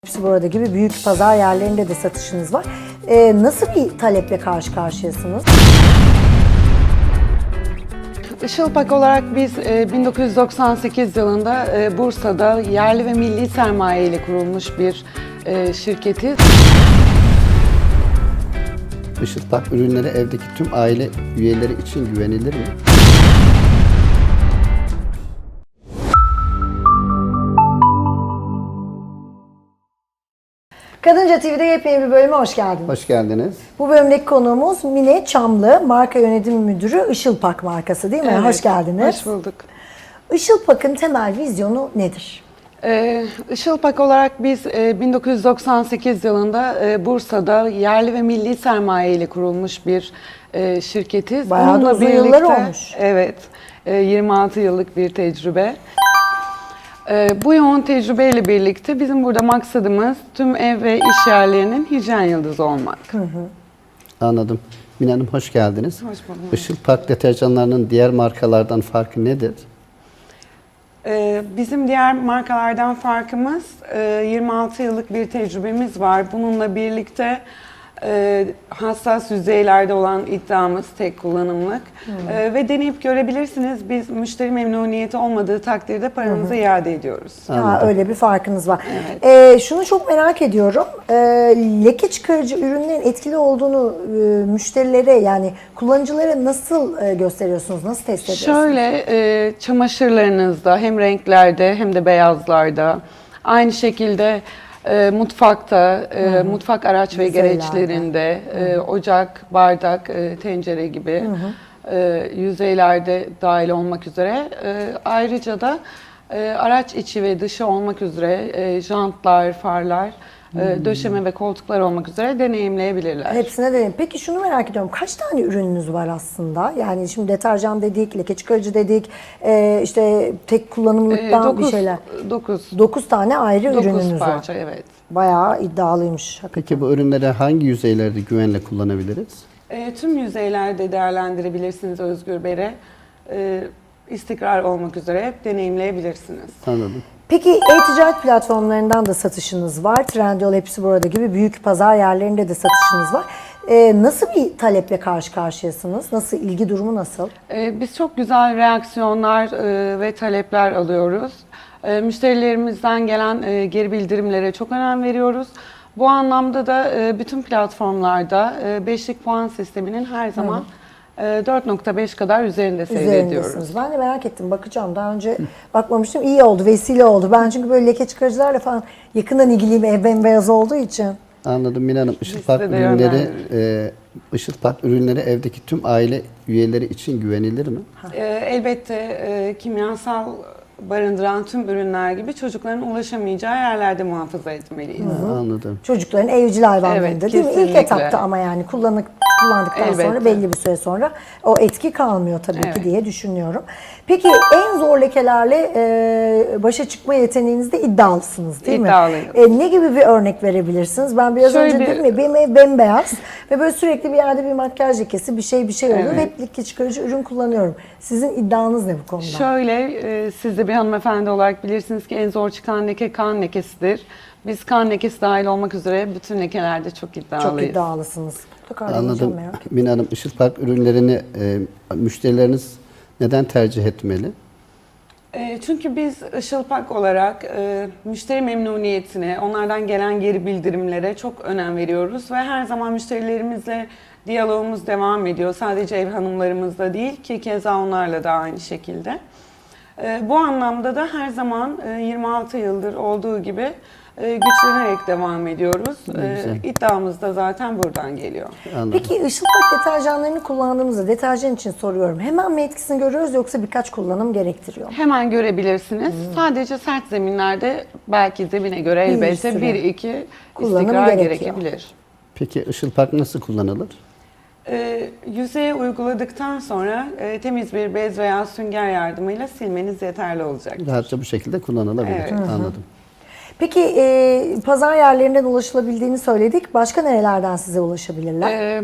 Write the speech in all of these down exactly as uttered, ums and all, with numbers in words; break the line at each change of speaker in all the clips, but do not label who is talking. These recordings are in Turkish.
Hepsi burada gibi büyük pazar yerlerinde de satışınız var. Ee, nasıl bir taleple karşı karşıyasınız?
Işılpak olarak biz bin dokuz yüz doksan sekiz yılında Bursa'da yerli ve milli sermaye ile kurulmuş bir şirketiz.
Işılpak ürünleri evdeki tüm aile üyeleri için güvenilir mi?
Kadınca T V'de yepyeni bir bölüme hoş geldiniz.
Hoş geldiniz.
Bu bölümdeki konuğumuz Mine Çamlı, marka yönetim müdürü Işılpak markası değil mi?
Evet,
hoş geldiniz.
Hoş bulduk.
Işılpak'ın temel vizyonu nedir?
Ee, Işılpak olarak biz bin dokuz yüz doksan sekiz yılında Bursa'da yerli ve milli sermaye ile kurulmuş bir şirketiz.
Bayağı da uzun yıllar olmuş.
Evet, yirmi altı yıllık bir tecrübe. Bu yoğun tecrübeyle birlikte bizim burada maksadımız tüm ev ve iş yerlerinin hijyen yıldızı olmak.
Hı hı.
Anladım. Mine Hanım hoş geldiniz.
Hoş bulduk.
Işılpak deterjanlarının diğer markalardan farkı nedir?
Bizim diğer markalardan farkımız yirmi altı yıllık bir tecrübemiz var. Bununla birlikte hassas yüzeylerde olan iddiamız tek kullanımlık. Hmm. Ve deneyip görebilirsiniz. Biz müşteri memnuniyeti olmadığı takdirde paranızı hmm. iade ediyoruz.
Ha, öyle bir farkınız var.
Evet.
Ee, şunu çok merak ediyorum. Ee, leke çıkarıcı ürünlerin etkili olduğunu e, müşterilere yani kullanıcılara nasıl e, gösteriyorsunuz? Nasıl test ediyorsunuz?
Şöyle e, çamaşırlarınızda hem renklerde hem de beyazlarda aynı şekilde E, mutfakta, e, mutfak araç ve
Yüzeylerde.
gereçlerinde, e, ocak, bardak, e, tencere gibi hı hı. E, yüzeylerde dahil olmak üzere. E, ayrıca da e, araç içi ve dışı olmak üzere e, jantlar, farlar, e, döşeme ve koltuklar olmak üzere deneyimleyebilirler.
Hepsine deneyim. Peki şunu merak ediyorum. Kaç tane ürününüz var aslında? Yani şimdi deterjan dedik, leke çıkarıcı dedik, e, işte tek kullanımlıktan
E, dokuz,
bir şeyler.
Dokuz.
Dokuz tane ayrı
Dokuz
ürününüz
parça,
var.
evet.
Bayağı iddialıymış.
Peki bu ürünleri hangi yüzeylerde güvenle kullanabiliriz?
E, tüm yüzeylerde değerlendirebilirsiniz Özgür Bey'e. E, istikrar olmak üzere hep deneyimleyebilirsiniz.
Anladım.
Peki e-ticaret platformlarından da satışınız var. Trendyol, hepsi burada gibi büyük pazar yerlerinde de satışınız var. Ee, nasıl bir taleple karşı karşıyasınız? Nasıl, ilgi durumu nasıl?
Ee, biz çok güzel reaksiyonlar e, ve talepler alıyoruz. E, müşterilerimizden gelen e, geri bildirimlere çok önem veriyoruz. Bu anlamda da e, bütün platformlarda e, beşlik puan sisteminin her zaman Hı. dört nokta beş kadar üzerinde seyrediyoruz.
Ben de merak ettim, bakacağım. Daha önce bakmamıştım. İyi oldu, vesile oldu. Ben çünkü böyle leke çıkarıcılarla falan yakından ilgiliyim, ev bembeyaz olduğu için.
Anladım Mine Hanım. Işılpak ürünleri, e, Işılpak ürünleri evdeki tüm aile üyeleri için güvenilir mi?
E, elbette e, kimyasal barındıran tüm ürünler gibi çocukların ulaşamayacağı yerlerde muhafaza etmeliyiz.
Hı, anladım.
Çocukların evcil hayvanlarında
Evet,
değil mi? İlk
kesinlikle.
etapta ama yani kullanık, kullandıktan
Elbette.
sonra belli bir süre sonra o etki kalmıyor tabii
Evet.
ki diye düşünüyorum. Peki en zor lekelerle e, başa çıkma yeteneğinizde iddialısınız değil
İddialıyım.
mi? E, ne gibi bir örnek verebilirsiniz? Ben biraz
Şöyle
önce
bir-
dedim ya benim ev bembeyaz ve böyle sürekli bir yerde bir makyaj lekesi bir şey bir şey oluyor.
Evet.
Hep leke çıkarıcı ürün kullanıyorum. Sizin iddianız ne bu konuda?
Şöyle, e, siz de bir hanımefendi olarak bilirsiniz ki en zor çıkan leke kan lekesidir. Biz kan lekesi dahil olmak üzere bütün lekelerde çok iddialıyız.
Çok iddialısınız. Mutlaka
Anladım.
merak ettim.
Mine Hanım, Işılpak ürünlerini e, müşterileriniz neden tercih etmeli?
E, Çünkü biz Işılpak olarak e, müşteri memnuniyetine, onlardan gelen geri bildirimlere çok önem veriyoruz ve her zaman müşterilerimizle diyalogumuz devam ediyor. Sadece ev hanımlarımızla değil ki keza onlarla da aynı şekilde. E, Bu anlamda da her zaman e, yirmi altı yıldır olduğu gibi e, güçlenerek devam ediyoruz. E, iddiamız da zaten buradan geliyor.
Anladım.
Peki Işılpak deterjanlarını kullandığımızda, deterjan için soruyorum, hemen mi etkisini görüyoruz yoksa birkaç kullanım gerektiriyor mu?
Hemen görebilirsiniz. Sadece sert zeminlerde belki zemine göre
Bir
elbette
süre
bir iki
kullanım
istikrar
gerekiyor.
gerekebilir.
Peki Işılpak nasıl kullanılır?
E, yüzeye uyguladıktan sonra e, temiz bir bez veya sünger yardımıyla silmeniz yeterli olacak.
Rahatça bu şekilde kullanılabilir.
Evet.
Anladım.
Peki e, pazar yerlerinden ulaşılabildiğini söyledik. Başka nerelerden size ulaşabilirler?
E,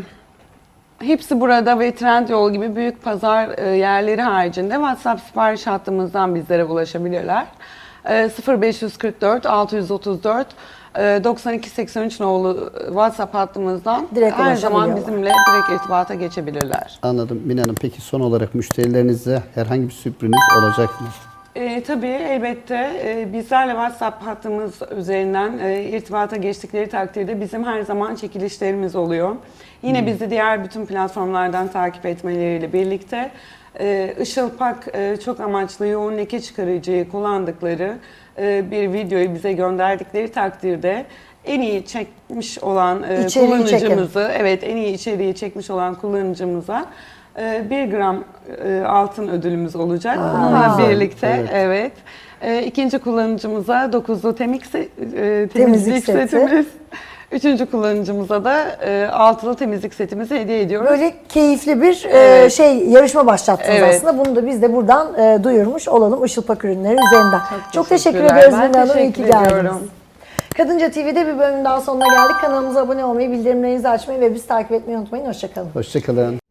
hepsi burada ve Trendyol gibi büyük pazar e, yerleri haricinde WhatsApp sipariş hattımızdan bizlere ulaşabilirler. E, sıfır beş kırk dört altı yüz otuz dört e, doksan iki seksen üç nolu WhatsApp hattımızdan
Direkt
her zaman
ulaşabiliyorlar.
bizimle direkt irtibata geçebilirler.
Anladım Mine Hanım. Peki son olarak müşterilerinize herhangi bir sürpriz olacak mı?
E, tabii elbette e, bizlerle WhatsApp hattımız üzerinden e, irtibata geçtikleri takdirde bizim her zaman çekilişlerimiz oluyor. Yine bizi diğer bütün platformlardan takip etmeleriyle birlikte e, Işılpak e, çok amaçlı yoğun leke çıkarıcıyı kullandıkları e, bir videoyu bize gönderdikleri takdirde en iyi çekmiş olan e,
İçeriği
kullanıcımızı, evet en iyi içeriği çekmiş olan kullanıcımıza e, bir gram e, altın ödülümüz olacak. Bununla
güzel.
birlikte
Evet.
evet. E, ikinci kullanıcımıza dokuzlu temik se- e, temizlik,
Temizlik seti.
setimiz. Üçüncü kullanıcımıza da e, altılı temizlik setimizi hediye ediyoruz.
Böyle keyifli bir e,
Evet.
şey yarışma başlattınız
Evet.
aslında. Bunu da biz de buradan e, duyurmuş olalım Işılpak ürünleri üzerinden. Çok, teşekkür
teşekkürler.
ediyoruz
Ben
Mine Hanım. İyi ki
teşekkür
geldiniz.
ediyorum.
Kadınca T V'de bir bölümün daha sonuna geldik. Kanalımıza abone olmayı, bildirimlerinizi açmayı ve bizi takip etmeyi unutmayın. Hoşçakalın.
Hoşçakalın.